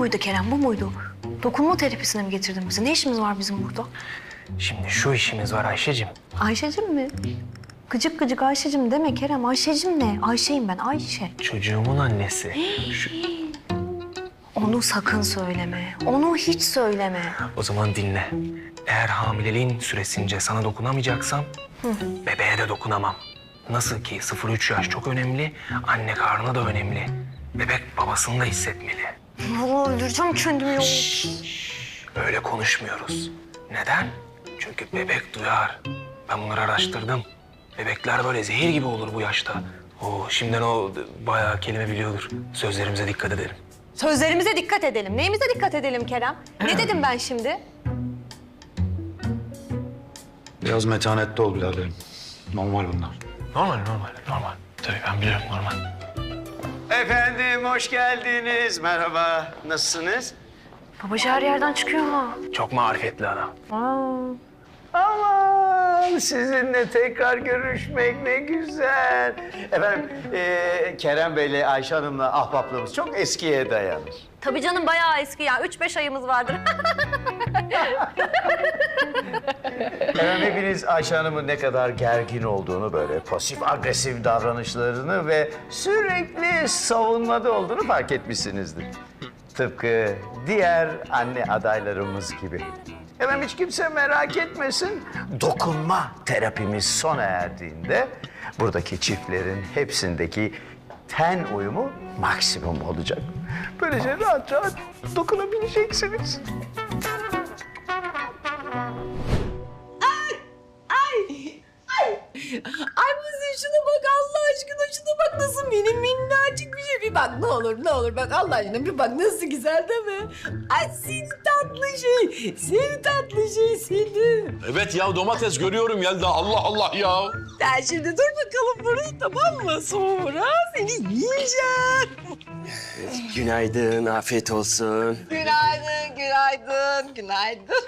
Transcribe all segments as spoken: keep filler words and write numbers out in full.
muydu Kerem, bu muydu? Dokunma terapisine mi getirdin bizi? Ne işimiz var bizim burada? Şimdi şu işimiz var Ayşe'cim. Ayşe'cim mi? Gıcık gıcık Ayşe'cim deme Kerem. Ayşe'cim ne? Ayşe'yim ben, Ayşe. Çocuğumun annesi. Şu... Onu sakın söyleme. Onu hiç söyleme. O zaman dinle. Eğer hamileliğin süresince sana dokunamayacaksam bebeğe de dokunamam. Nasıl ki sıfır üç yaş çok önemli, anne karnı da önemli. Bebek babasını da hissetmeli. Vallahi öldüreceğim kendimi ya. Öyle konuşmuyoruz. Neden? Çünkü bebek duyar. Ben bunları araştırdım. Bebekler böyle zehir gibi olur bu yaşta. Oo, şimdiden o bayağı kelime biliyordur. Sözlerimize dikkat edelim. Sözlerimize dikkat edelim. Neyimize dikkat edelim Kerem? Ne dedim ben şimdi? Biraz metanetli ol biraderim. Normal bunlar. Normal, normal, normal. Tabii ben biliyorum normal. Efendim hoş geldiniz. Merhaba. Nasılsınız? Babacı her yerden çıkıyor ha. Çok marifetli adam. Aa. Aman sizinle tekrar görüşmek ne güzel. Efendim e, Kerem Bey'le Ayşe Hanım'la ahbaplığımız çok eskiye dayanır. Tabii canım bayağı eski ya. Üç beş ayımız vardır. Efendim hepiniz Ayşe Hanım'ın ne kadar gergin olduğunu, böyle pasif agresif davranışlarını ve sürekli savunmada olduğunu fark etmişsinizdir. Tıpkı diğer anne adaylarımız gibi. Efendim hiç kimse merak etmesin. Dokunma terapimiz sona erdiğinde buradaki çiftlerin hepsindeki ten uyumu maksimum olacak. Böylece rahat rahat dokunabileceksiniz. Ay Muzi şuna bak Allah aşkına, şuna bak nasıl mini minnacık bir şey. Bir bak ne olur ne olur bak Allah aşkına bir bak nasıl güzel değil mi? Ay seni tatlı şey, seni tatlı şey seni. Evet ya domates görüyorum Yelda. Allah Allah ya. Sen şimdi dur bakalım burada tamam mı? Sonra seni yiyeceğim. Günaydın, afiyet olsun. Günaydın, günaydın, günaydın.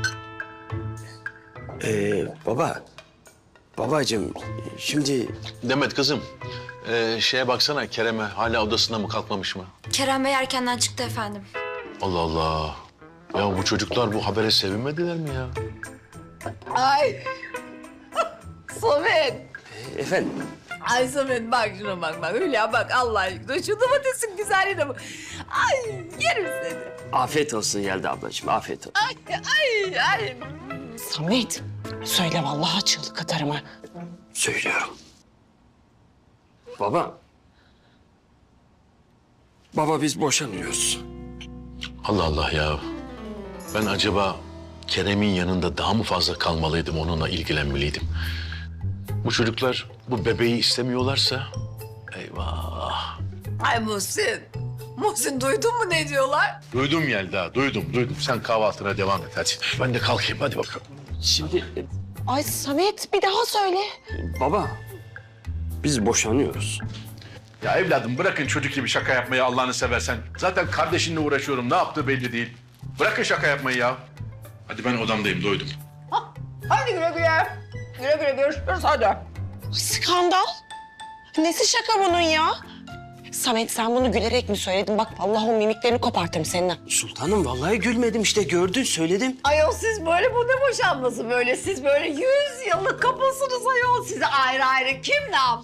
Ee, baba, babacığım şimdi... Demet kızım, ee, şeye baksana Kerem'e hala odasında mı kalkmamış mı? Kerem Bey erkenden çıktı efendim. Allah Allah. Ya bu çocuklar bu habere sevinmediler mi ya? Ay. Samet. Efendim, Ay Samet bak şuna bak bak Hülya bak Allah aşkına şu domatesin güzelliğine bak. Ay yerim seni. afiyet olsun Yelda ablacığım, afiyet olsun. Ay ay ay. Samet, söyle vallahi çığlık atarım ha. Söylüyorum. Baba, baba biz boşanıyoruz. Allah Allah ya. Ben acaba Kerem'in yanında daha mı fazla kalmalıydım, onunla ilgilenmeliydim? Bu çocuklar bu bebeği istemiyorlarsa eyvah. Ay Muhsin. Muhsin duydun mu ne diyorlar? Duydum Yelda, duydum, duydum. Sen kahvaltına devam et hadi. Ben de kalkayım, hadi bakalım. Şimdi, e, Ay Samet bir daha söyle. baba, biz boşanıyoruz. Ya evladım bırakın çocuk gibi şaka yapmayı Allah'ını seversen. Zaten kardeşinle uğraşıyorum. Ne yaptığı belli değil. Bırakın şaka yapmayı ya. Hadi ben odamdayım, doydum. Hadi güle güle. Güle güle görüşürüz hadi. Skandal. Nesi şaka bunun ya? Samet sen bunu gülerek mi söyledin? Bak vallahi o mimiklerini kopartırım seninle. Sultanım vallahi gülmedim işte gördün söyledim. Ayol siz böyle bu ne boşanması böyle? Siz böyle yüz yıllık kapısınız ayol. Size ayrı ayrı kim ne yaptı?